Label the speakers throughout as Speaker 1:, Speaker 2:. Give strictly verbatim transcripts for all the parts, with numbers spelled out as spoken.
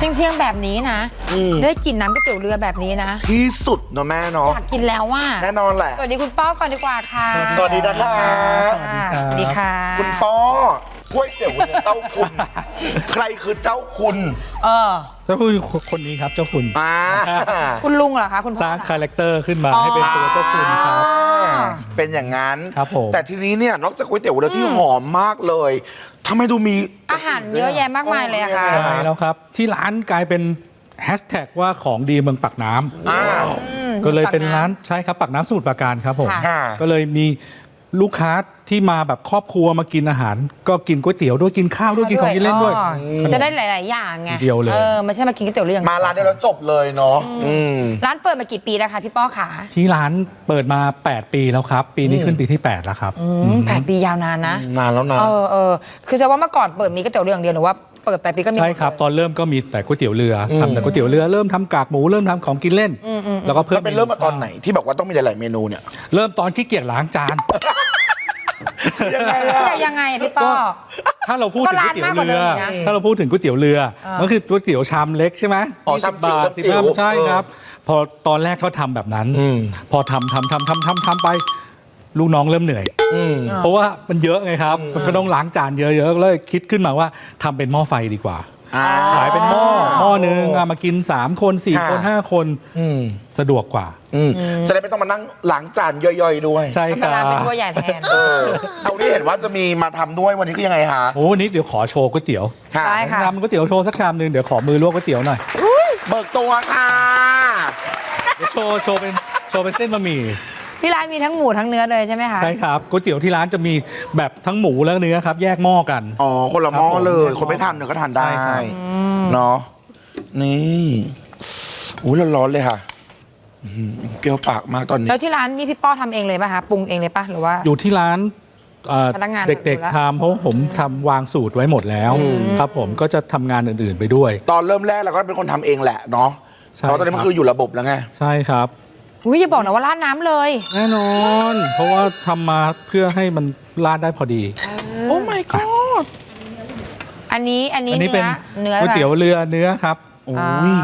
Speaker 1: เที่ยงๆแบบนี้นะได้กินน้ำก๋วยเตี๋ยวเรือแบบนี้นะ
Speaker 2: ที่สุดเนาะแม่เนาะ
Speaker 1: อยากกินแล้วว่า
Speaker 2: แน่นอนแหละ
Speaker 1: สวัสดีคุณป้อก่อนดีกว่าค่ะ
Speaker 2: สวัสดีนะคะ
Speaker 1: สวัสดีค่ะ
Speaker 2: คุณป้อก๋วยเตี๋ยวเรือเจ้าคุณใครคือเจ้าคุณ
Speaker 1: เออ
Speaker 3: เจ้าคุณคนนี้ครับเจ้าคุณ
Speaker 2: อ่า
Speaker 1: คุณลุงเหรอคะคุณพ่อ
Speaker 3: สร้างคาแรคเตอร์ขึ้นมาให้เป็นตัวเจ้าคุณครับ
Speaker 2: เป็นอย่างนั้น
Speaker 3: ครับผม
Speaker 2: แต่ทีนี้เนี่ยนอกจากก๋วยเตี๋ยวเรือที่หอมมากเลยทำไมดูมี
Speaker 1: อาหารเยอะแยะมากมายเลยอะค่ะ
Speaker 3: ใช่แล้วครับที่ร้านกลายเป็นแฮชแท็กว่าของดีเมืองปากน้ำก็เลยเป็นร้านใช่ครับปากน้ำสมุทรปราการครับผมก็เลยมีลูกค้าที่มาแบบครอบครัวมากินอาหารก็กินก๋วยเตี๋ยวด้วยกินข้าวด้วยกินของกินเล่นด้วย
Speaker 1: จะได้หลายๆอย่างไง
Speaker 3: เดียวเลย
Speaker 1: เออไม่ใช่มากินก๋วยเตี๋ยวเรืออย่าง
Speaker 2: มาร้านเดียวแล้วจบเลยเนาะ
Speaker 1: ร้านเปิดมากี่ปีแล้วคะพี่ป้อขา
Speaker 3: ที่ร้านเปิดมาแปดปีแล้วครับปีนี้ขึ้นปีที่แปดแล้วครับ
Speaker 1: แปดปียาวนานนะ
Speaker 2: นานแล้วนะ
Speaker 1: เออเออคือจะว่าเมื่อก่อนเปิดมีก๋วยเตี๋ยวเรืออย่างเดียวหรือว่าเปิดแปดปีก็มี
Speaker 3: ใช่ครับตอนเริ่มก็มีแต่ก๋วยเตี๋ยวเรือทำแต่ก๋วยเตี๋ยวเรือเริ่มทำกากหมูเริ่มทำของกินเล่นแล้วก็เพิ่ม
Speaker 2: เป็นเริ่มมาตอนไหนที่บอกว่าต้องมีหลายๆเมนูเนี่ย
Speaker 3: เริ่มตอนขี้เกียจล้างจาน
Speaker 2: ยังไงอะ
Speaker 1: ยังไงพี่ป้อ
Speaker 3: ถ้าเราพูดถึงก๋วยเตี๋ยวเรือถ้าเราพูดถึงก๋วยเตี๋ยวเรือมันคือก๋วยเตี๋ยวชามเล็กใช่ไหม
Speaker 2: อ๋อชามจิ๋ว
Speaker 3: สิบห้าใช่ครับพอตอนแรกเขาทำแบบนั้นพอทำทำทำทำทำทำไปลูกน้องเริ่มเหนื่อยเพราะว่ามันเยอะไงครับมันก็ต้องล้างจานเยอะๆเลยคิดขึ้นมาว่าทำเป็นหม้อไฟดีกว่าขายเป็นหม้อหม้อนึงมากินสามคนสี่คนห้าคนสะดวกกว่า
Speaker 2: จะได้ไม่ต้องมานั่งล้างจานย่อยๆด้วย
Speaker 3: ใช่ครับ
Speaker 1: เป็นถ้วยใหญ่แทน
Speaker 2: เอาที่เห็นว่าจะมีมาทำด้วยวันนี้คือยังไงฮะ
Speaker 3: โอ้วันนี้เดี๋ยวขอโชว์ก๋วยเตี๋ยว
Speaker 1: ได้ค่ะ
Speaker 3: ทำก๋วยเตี๋ยวโชว์สักชามนึงเดี๋ยวขอมือลวกก๋วยเตี๋ยวหน่อย
Speaker 2: เบิกตัวค่ะ
Speaker 3: เดี๋ยวโชว์โชว์เป็นโชว์เป็นเส้นบะหมี่
Speaker 1: ที่ร้านมีทั้งหมูทั้งเนื้อเลยใช่ไหมคะ
Speaker 3: ใช่ครับก๋วยเตี๋ยวที่ร้านจะมีแบบทั้งหมูและเนื้อครับแยกหม้อกัน
Speaker 2: อ๋อคนละหม้อเลยคนไม่ทานเนื้อก็ทานได้เนาะนี่อุ้ยร้อนๆเลยค่ะเปรี้ยวปากมากตอนนี้
Speaker 1: แล้วที่ร้านนี่พี่ป้อทำเองเลยป่ะคะปรุงเองเลยป่ะหรือว่า
Speaker 3: อยู่ที่ร้านเด็กๆทำเพราะผมทำวางสูตรไว้หมดแล้วครับผมก็จะทำงานอื่นๆไปด้วย
Speaker 2: ตอนเริ่มแรกเราก็เป็นคนทำเองแหละเนาะเพราะตอนนี้มันคืออยู่ระบบแล้วไง
Speaker 3: ใช่ครับ
Speaker 1: อุ้ยอย่าบอกนะว่าราดน้ำเลย
Speaker 3: แน่นอนเพราะว่าทำมาเพื่อให้มันราดได้พอดี
Speaker 1: โอ้ my god อันนี้อันนี้เนื้อ
Speaker 3: เนื้อก๋วยเตี๋ยวเรือเนื้อครับ
Speaker 2: โอ้ย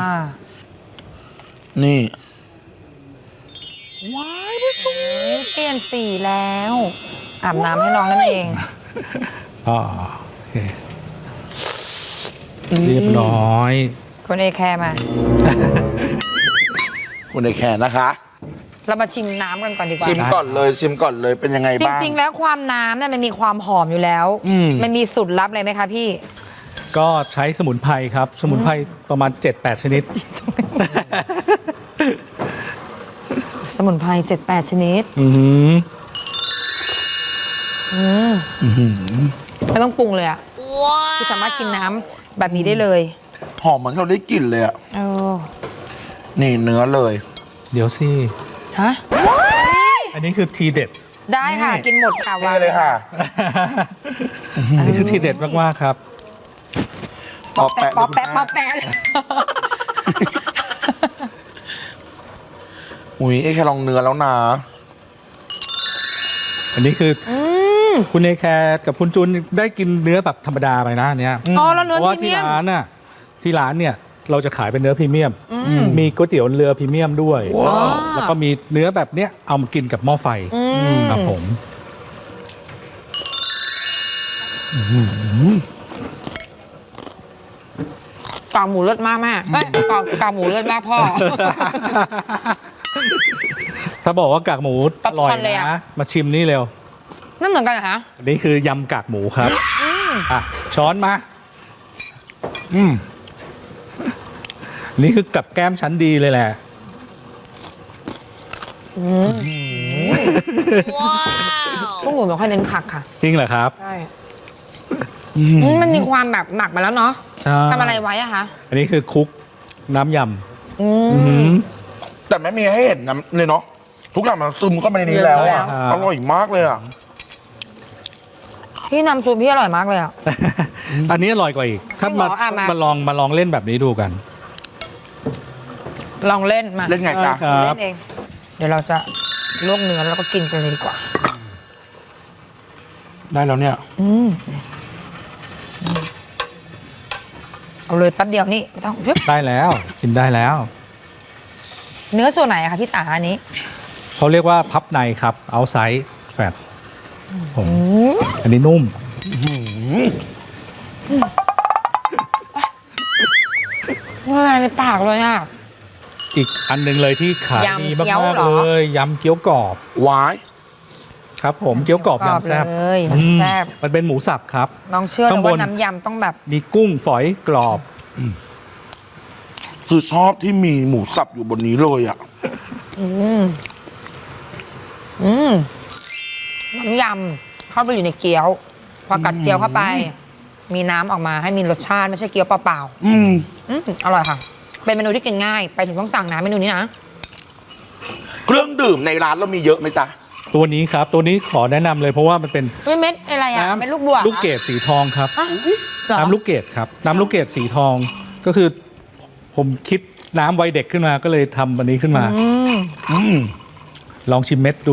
Speaker 2: นี่
Speaker 1: ว้ายพี่ตุ้ยเปลี่ยนสีแล้วอาบน้ำให้น้องนั่นเอง
Speaker 3: อ๋อโอเคเรียบร้อย
Speaker 1: คนเอแคร์มา
Speaker 2: คุณเอแคร์นะคะ
Speaker 1: เรามาชิมน้ำกันก่อนดีกว่า
Speaker 2: ชิมก่อนเลยชิมก่อนเลยเป็นยังไงบ้าง
Speaker 1: จริงๆแล้วความน้ำเนี่ยมันมีความหอมอยู่แล้วมันมีสูตรลับอะไรไหมคะพี่
Speaker 3: ก็ใช้สมุนไพรครับสมุนไพรประมาณ เจ็ดแปด ชนิด
Speaker 1: สมุนไพร เจ็ดแปด ชนิดไม่ต้องปรุงเลยอ่ะคือสามารถกินน้ำแบบนี้ได้เลย
Speaker 2: หอมเหมือนเราได้กลิ่นเลยอ่ะนี่เนื้อเลย
Speaker 3: เดี๋ยวสิ
Speaker 1: ฮะ
Speaker 3: อันนี้คือทีเด็ด
Speaker 1: ได้ค่ะกินหมดค่ะ
Speaker 2: วางเลยค่ะ
Speaker 3: อันนี้คือทีเด็ดมากๆครับ
Speaker 2: ปอแปะ
Speaker 1: ปอแปะปอแปะ
Speaker 2: อุ้ยไอ้แค่ลองเนื้อแล้วนะ
Speaker 3: อันนี้คือคุณเอแคร์กับคุณจูนได้กินเนื้อแบบธรรมดาไปนะเนี้ย
Speaker 1: อ๋อแล้วเนื้อพรี
Speaker 3: เมียมเพราะว่าที่ร้านน่ะที่ร้านเนี่ยเราจะขายเป็นเนื้อพรีเมียมมีก๋วยเตี๋ยวเรือพรีเมียมด้วยแล้วก็มีเนื้อแบบเนี้ยเอามากินกับหม้อไฟครับผม
Speaker 1: กากหมูเลิศมากแม่กากกากหมูเลิศมากพ่อ
Speaker 3: ถ้าบอกว่ากากหมูอร่อยนะมาชิมนี่เร็ว
Speaker 1: นั่นเหมือนกันเหรอคะ
Speaker 3: อันนี้คือยำกากหมูครับอ่ะช้อนมาอืมนี่คือกับแก้มชั้นดีเลยแหละ
Speaker 1: ว้าวพวกหนูไม่ค่อยเน้นผักค่ะ
Speaker 3: จริงเหรอครับ
Speaker 1: ใช่มันมีความแบบหมักมาแล้วเนาะทำอะไรไว้อะคะ
Speaker 3: อันนี้คือคุกน้ำย
Speaker 2: ำแต่ไม่มีให้เห็นน้ำเลยเนาะทุกอย่างมันซึมเข้าไปในนี้แล้วอ่ะอร่อยมากเลยอ่ะ
Speaker 1: พี่น้ำซุปพี่อร่อยมากเลยอ่ะ
Speaker 3: อันนี้อร่อยกว่าอีกถ้ามามาลองมาลองเล่นแบบนี้ดูกัน
Speaker 1: ลองเล่นมา
Speaker 2: เล่นไงจ๊ะ
Speaker 1: เล่นเองเดี๋ยวเราจะลวกเนื้อแล้วก็กินกันเลยดีกว่า
Speaker 2: ได้แล้วเนี่ย
Speaker 1: เอาเลยแป๊บเดียวนี่ไม่ต้องชึบ
Speaker 3: ได้แล้วกินได้แล้ว
Speaker 1: เนื้อส่วนไหนอะคะพี่ตาอันนี้
Speaker 3: เขาเรียกว่าพับในครับเอาไซส์แฟตผมอันนี้นุ่ม
Speaker 1: ละลายในปากเลยอ่ะ
Speaker 3: อีกอันหนึ่งเลยที่ขาย
Speaker 1: ยำ
Speaker 3: ดี
Speaker 1: เกี๊ยว
Speaker 3: มาก
Speaker 1: เหร
Speaker 3: ๆ
Speaker 1: อ
Speaker 3: เลยยำเกี๊ยวกรอบ
Speaker 2: หวาย
Speaker 3: ครับผมเกี๊ยวกรอบยำแซ่บ
Speaker 1: เลย
Speaker 3: อืม
Speaker 1: แซ่บ
Speaker 3: มันเป็นหมูสับครับ
Speaker 1: น้องเชื่อเล
Speaker 3: ข้าย งบน
Speaker 1: ว่าน้ำยำต้องแบบ
Speaker 3: มีกุ้งฝอยกรอบ
Speaker 2: คือชอบที่มีหมูสับอยู่บนนี้เลยอ่ะ
Speaker 1: อืมอืมน้ำยำเข้าไปอยู่ในเกี๊ยว พอกัดเกี๊ยวเข้าไป มีน้ำออกมาให้มีรสชาติไม่ใช่เกี๊ยวเปล่า
Speaker 2: อืม
Speaker 1: ๆอืมอร่อยค่ะ เป็นเมนูที่กินง่าย ไปถึงต้องสั่งนะเมนูนี้นะ
Speaker 2: เครื่องดื่มในร้านเรามีเยอะไหมจ๊ะ
Speaker 3: ตัวนี้ครับ ตัวนี้ขอแนะนำเลยเพราะว่ามันเป็น
Speaker 1: เฮ้ยเม็ดอะไรอ่ะ
Speaker 3: น้ำ
Speaker 1: เป็นลูกบัว
Speaker 3: ลูกเกดสีทองครับ
Speaker 1: อ่ะเหรอ
Speaker 3: น้ำลูกเกดครับ น้ำลูกเกดสีทองก็คือ ผมคิดน้ำวัยเด็กขึ้นมาก็เลยทำอันนี้ขึ้นมา
Speaker 1: อืม
Speaker 2: อืม
Speaker 3: ลองชิมเม็ดดู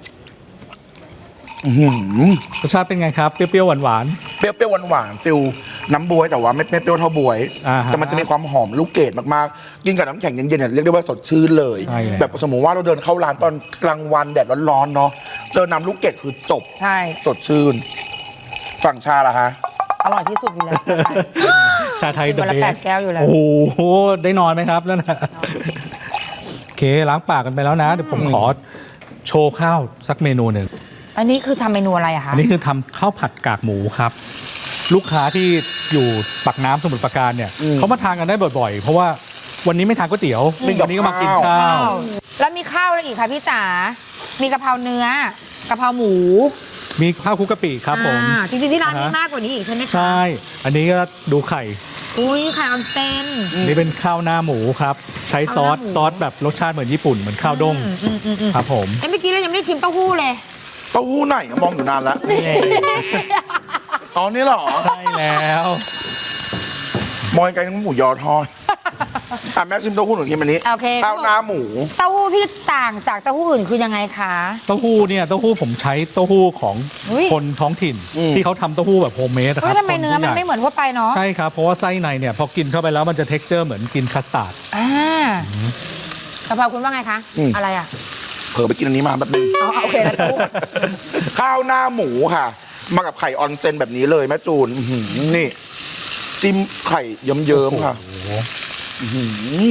Speaker 2: อื้อหือ
Speaker 3: รสชาติเป็นไงครับ เปรี้ยวๆหวาน
Speaker 2: เปรี้ยวๆหวานๆฟิลน้ำบวยแต่ว่าไม่ไม่เปรี้ยวเท่าบวย
Speaker 3: อ่าฮะ
Speaker 2: แต่มันจะมีความหอมลูกเกดมากๆ กินกับน้ำแข็งเย็นๆเนี่ยเรียกได้ว่าสดชื่นเลย
Speaker 3: ใช่แล้ว
Speaker 2: แบบสมมติว่าเราเดินเข้าร้านตอนกลางวันแดดร้อนๆเนาะ เจอน้ำลูกเกดคือจบ
Speaker 1: ใช่
Speaker 2: สดชื่น ฝั่งชาล่ะฮะ
Speaker 1: อร่อยที่สุดอยู่แล้ว
Speaker 3: ๆชาไทย
Speaker 1: กินวันละ
Speaker 3: เดอะ
Speaker 1: แป
Speaker 3: เบ
Speaker 1: ด
Speaker 3: ส
Speaker 1: แก้วอยู่แล้ว
Speaker 3: โอ้โห ได้นอนไหมครับแล้วนะโอเคล้างปากกันไปแล้วนะ เดี๋ยวผมขอโชว์ข้าวสักเมนูหนึ่ง
Speaker 1: อันนี้คือทำเมนูอะไรอะคะ
Speaker 3: อันนี้คือทำข้าวผัดกากหมูครับ ลูกค้าที่อยู่ปากน้ำสมุทรปราการเนี่ย
Speaker 2: อืม
Speaker 3: เขามาทานกันได้บ่อยๆ เพราะว่าวันนี้ไม่ทานก๋วยเตี๋ยว
Speaker 2: มีกับ
Speaker 3: วันนี้ก็มากิน
Speaker 2: ข้าว
Speaker 3: ข้าว
Speaker 1: แล้วมีข้าวอะไรอีกคะพี่จ๋า มีกะเพราเนื้อ กะเพราหมู
Speaker 3: มีข้าวคลุกกะปิครับผม
Speaker 1: อ่าจริงๆที่ร้านมี
Speaker 3: อ่าฮะ
Speaker 1: มากกว่านี้อีกใช่ไหมคะ
Speaker 3: ใช่ อันนี้ก็ดูไข่
Speaker 1: อุ้ยไข่ออนเซน
Speaker 3: นี่เป็นข้าวหน้าหมูครับ ใช้ซอส
Speaker 1: ข้าวหน้าหมู
Speaker 3: ซอสแบบรสชาติเหมือนญี่ปุ่นเหมือนข้าวด้ง
Speaker 1: อืมอืมอืมอืม
Speaker 3: ครับผม
Speaker 1: เอ้ยเมื่อกี้เรายังไม่ได้ชิมเต้าหู้เลย
Speaker 2: เต้าหู้ไหนมองอยู่นานแล้ว
Speaker 3: นี่
Speaker 2: อ๋อนี่เหรอ
Speaker 3: ใช่แล้ว
Speaker 2: มอยไก่น้ำหมูยอทอดอ่ะแม่ชิมเต้าหู้หนึ่งทีมันนี้
Speaker 1: โอเค
Speaker 2: ข้าวหน้าหมู
Speaker 1: เต้าหู้พี่ต่างจากเต้าหู้อื่นคือยังไงคะ
Speaker 3: เต้าหู้เนี่ยเต้าหู้ผมใช้เต้าหู้ของ
Speaker 1: อุ๊ย
Speaker 3: คนท้องถิ่น
Speaker 2: อืม
Speaker 3: ที่เขาทำเต้าหู้แบบโฮมเมดนะค
Speaker 1: เฮ้
Speaker 3: รั
Speaker 1: ย
Speaker 3: บ
Speaker 1: ทำไมเนื้อมันไม่เหมือนทั่วไปเนาะ
Speaker 3: ใช่ครับ เพราะว่าไส้ในเนี่ยพอกินเข้าไปแล้วมันจะเท็กเจอร์เหมือนกินคัสตาร์ด
Speaker 1: อ่ากะเพราคุณว่าไงคะ
Speaker 2: อืม
Speaker 1: อะไรอ่ะ
Speaker 2: เผลอไปกินอันนี้มาแบบนึง
Speaker 1: อ๋อโอเคแล้วเต้าหู้
Speaker 2: ข้าวหน้าหมูค่ะ มากับไข่ออนเซนแบบนี้เลยแม่จูนอื้อหือนี่ จิ้มไข่เยิ้มๆค่ะอื้อหือ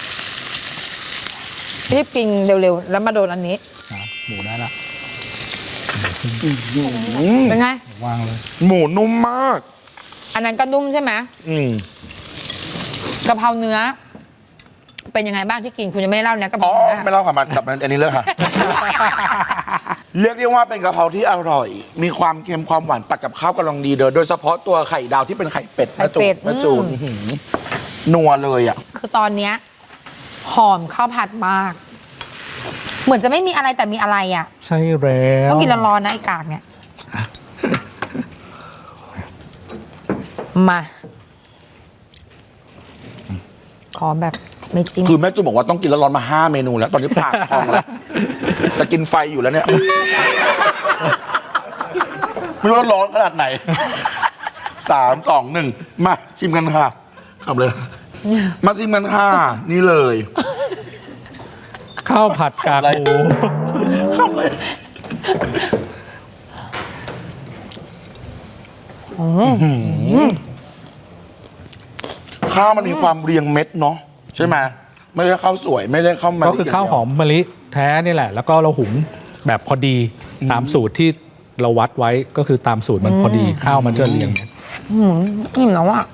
Speaker 1: รีบกินเร็วๆ แล้วมาโดนอันนี้
Speaker 3: นะหมูได้ละ
Speaker 1: เป็นไง
Speaker 3: วางเลย
Speaker 2: หมูนุ่มมาก
Speaker 1: อันนั้นก็นุ่มใช่ไหม
Speaker 2: อืม
Speaker 1: กะเพราเนื้อ เป็นยังไงบ้างที่กินคุณยังไม่ได้เล่านะกะเพ
Speaker 2: อ๋อ
Speaker 1: ราเนื้อ
Speaker 2: ไม่เล่าค่ะมากลับมาอันนี้เลยค่ะ เรียกได้ว่าเป็นกะเพราที่อร่อย มีความเค็มความหวานตัดกับข้าวกำลังดีเด้อโดยเฉพาะตัวไข่ดาวที่เป็นไข่เป็ด
Speaker 1: ไข่เป็ด
Speaker 2: แม่จูน
Speaker 1: อืม
Speaker 2: อื้อหือนัวเลยอ่ะ
Speaker 1: คือตอนเนี้ยหอมข้าวผัดมาก เหมือนจะไม่มีอะไรแต่มีอะไรอ่ะ
Speaker 3: ใช่แล้ว
Speaker 1: ต้องกินร้อนๆนะไอ้กากเนี่ย มา ขอแบบไม่จิ้ม
Speaker 2: คือแม่จูนบอกว่าต้องกินแล้วร้อนมาห้าเมนูแล้ว ตอนนี้ปากพองแล้วจะกินไฟอยู่แล้วเนี่ย ไม่รู้ว่าร้อนขนาดไหน สามสองหนึ่งมาชิมกันค่ะทำเลย มาชิมกันค่ะ นี่เลย
Speaker 3: ข้าวผัดกากหมู
Speaker 2: เข้าเลยข้าวมันมีความเรียงเม็ดเนาะใช่ไหมไม่ใช่ข้าวสวยไม่ใช่ข้าวมัน
Speaker 3: ก็คือข้าวหอมมะลิแท้นี่แหละ แล้วก็เราหุงแบบพอดีตามสูตรที่เราวัดไว้ก็คือตามสูตรมันพอดีข้าวมันจะเรียงเม็ด
Speaker 1: อืมอิ่มแล้วอ่ะ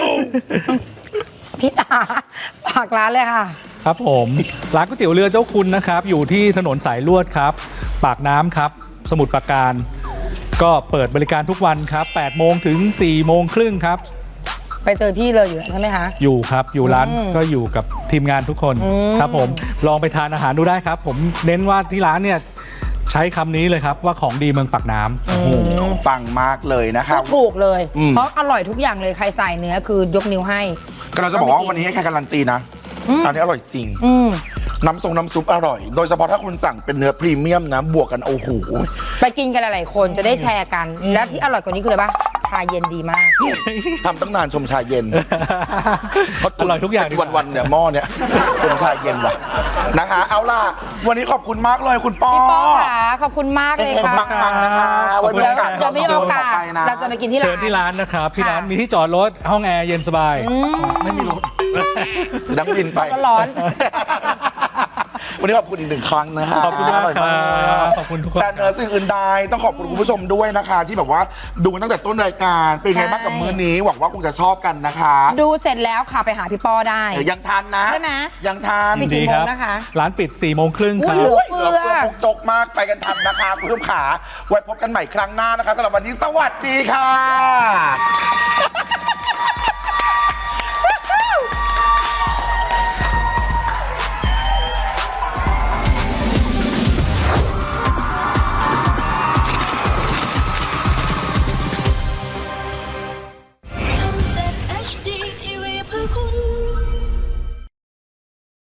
Speaker 1: พี่จ๋าฝากร้านเลยค่ะ
Speaker 3: ครับผมร้านก๋วยเตี๋ยวเรือเจ้าคุณนะครับ อยู่ที่ถนนสายลวดครับ ปากน้ำครับ สมุทรปราการ ก็เปิดบริการทุกวันครับแปดโมงถึงสี่โมงครึ่งครับ
Speaker 1: ไปเจอพี่เลยอยู่ใช่ไหมคะ
Speaker 3: อยู่ครับ อยู่ร้าน
Speaker 1: อืม
Speaker 3: ก็อยู่กับทีมงานทุกคน
Speaker 1: อืม
Speaker 3: ครับผมลองไปทานอาหารดูได้ครับ ผมเน้นว่าที่ร้านเนี่ยใช้คำนี้เลยครับว่าของดีเมืองปากน้ำ
Speaker 2: โอ้โหปังมากเลยนะค
Speaker 1: พู
Speaker 2: รับ
Speaker 1: ดถูกเลย
Speaker 2: อืม
Speaker 1: เพราะอร่อยทุกอย่างเลยใครใส่เนื้อคือยกนิ้วให้
Speaker 2: ก็เราจะบอกว่าวันนี้ให้แค่การันตีนะอันนี้อร่อยจริง
Speaker 1: อืม
Speaker 2: น้ำทรงน้ำซุปอร่อย โดยเฉพาะถ้าคุณสั่งเป็นเนื้อพรีเมียมนะ บวกกันโอ้โห
Speaker 1: ไปกินกันหลายๆคนจะได้แชร์กัน และที่อร่อยกว่านี้คืออะไรปะชาเย็นดีมาก
Speaker 2: ทำตั้งนานชมชาเย็นเขา
Speaker 3: อร่อยทุกอย่างดีกว่า
Speaker 2: วันๆเนี่ยหม้อเนี่ยชมชาเย็นว่ะนะคะ เอาล่ะ วันนี้ขอบคุณมากเลยคุณป้อ
Speaker 1: พี่ป้อค่ะขอบคุณมากเลย
Speaker 2: เก่ง
Speaker 1: ค่ะ
Speaker 2: ๆปังๆนะคะไว้มี
Speaker 1: เดี๋ยว
Speaker 2: โอกาส
Speaker 1: เดี๋ยวมีโอกาส
Speaker 2: ต่ไปนะ
Speaker 1: เราจะไปกินที่ร้า
Speaker 3: เชิญ
Speaker 1: น
Speaker 3: ที่ร้านนะครับที่ร้าน
Speaker 1: ค่ะ
Speaker 3: มีที่จอดรถห้องแอร์เย็นสบาย
Speaker 2: ไม่มีรถดังบินไป
Speaker 1: ก็ร้อน
Speaker 2: วันนี้ขอบคุณอีกหนึ่งครั้งนะฮะ
Speaker 3: ขอบคุณมาก
Speaker 2: ร่ย
Speaker 3: ครับขอบคุณทุกคน
Speaker 2: แต่เหนือสิ่งอื่นใดต้องขอบคุณคุณผู้ชมด้วยนะคะ ที่แบบว่าดูกันตั้งแต่ต้นรายการเป็นไงบ้างกับมื้อนี้หวังว่าคงจะชอบกันนะคะ
Speaker 1: ดูเสร็จแล้วค่ะไปหาพี่ป้อได้
Speaker 2: เดี๋ยวยังทันนะ
Speaker 1: ใช่ไหม
Speaker 2: ยังทัน
Speaker 1: มีกี่โมงนะคะ
Speaker 3: ร้านปิด4ี่โมงครึ่งค
Speaker 1: อุ้
Speaker 3: รั
Speaker 1: ย
Speaker 3: บ
Speaker 1: เหลือ
Speaker 2: เหลือเฟือปุกจกมากไปกันทันนะคะคุณผู้ชมขาไว้พบกันใหม่ครั้งหน้านะคะสำหรับวันนี้สวัสดีค่ะ
Speaker 4: ทำจาก เอช ดี ที วี เพื่อคุณ